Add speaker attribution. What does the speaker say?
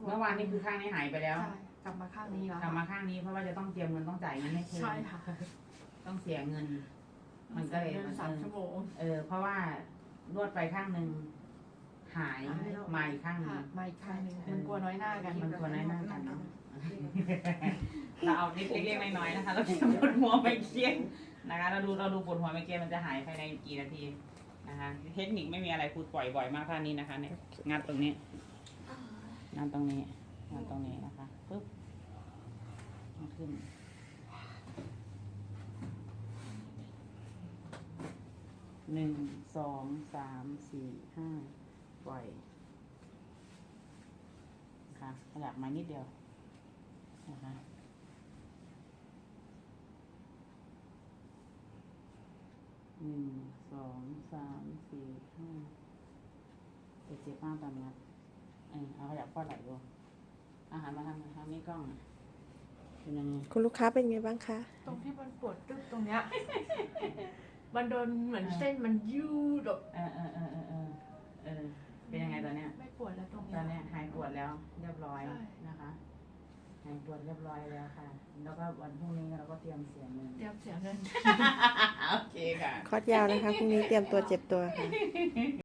Speaker 1: เมื่อวานนี้คือข้างนี้หายไปแล้ว
Speaker 2: ใช่กลับมาข้างนี้แล้ว
Speaker 1: กลับมาข้างนี้เพราะว่าจะต้องเตรียมเงินต้องจ่ายเงินให้คืน
Speaker 2: ใช่ค่ะ
Speaker 1: ต้องเสียเงิน มันก็เลย
Speaker 2: เดิน3 ชั่วโมง
Speaker 1: เพราะว่านวดไปข้างหนึ่งหายมาอีกข้างหนึ่ง
Speaker 2: มาอีกข้างหนึงมันกลัวน้อยหน้ากัน
Speaker 1: มันควรน้อยหน้ากันเนาะ เราเอานิดเล็กๆน้อยๆนะคะเราจะปวดหัวไม่เคียงนะคะเราดูปวดหัวไม่เคียงมันจะหายภายในกี่นาทีนะคะเทคนิคไม่มีอะไรครูปล่อยบ่อยมากท่านี้นะคะเนี่ยงัดตรงนี้งัดตรงนี้งัดตรงนี้นะคะปึ๊บขึ้น1 2 3 4 5ปล่อยนะคะขยับมานิดเดียวนะคะ1 2 3 4 5เจ็บมากตอนนี้เอาขยับข้อไหล่ดูอาหารมาทางนี้กล้องเป็นยังไง
Speaker 3: คุณลูกค้าเป็นไงบ้างคะ
Speaker 2: ตรงที่มันปวดตึ๊บตรงเนี้ยมันโดนเหมือนเส้นมันยืดแบบ
Speaker 1: เป็นยังไงตอนเนี้ย
Speaker 2: ไม่ปวดแล้วตรง
Speaker 1: ต
Speaker 2: เนี้
Speaker 1: อย นเนี้ยหายปวดแล้วเรียบร้อย
Speaker 2: ใช่
Speaker 1: นะคะหายปวดเรียบร้อยแล้วค่ะ แล้วก็วันพรุ่งนี้เราก็เตรียมเสียเงิน
Speaker 2: เตรียมเสียเงิน
Speaker 1: โอเคค่ะ
Speaker 3: คอร์สยาวนะคะพรุ่งนี้เตรียมตัวเจ็บตัวค่ะ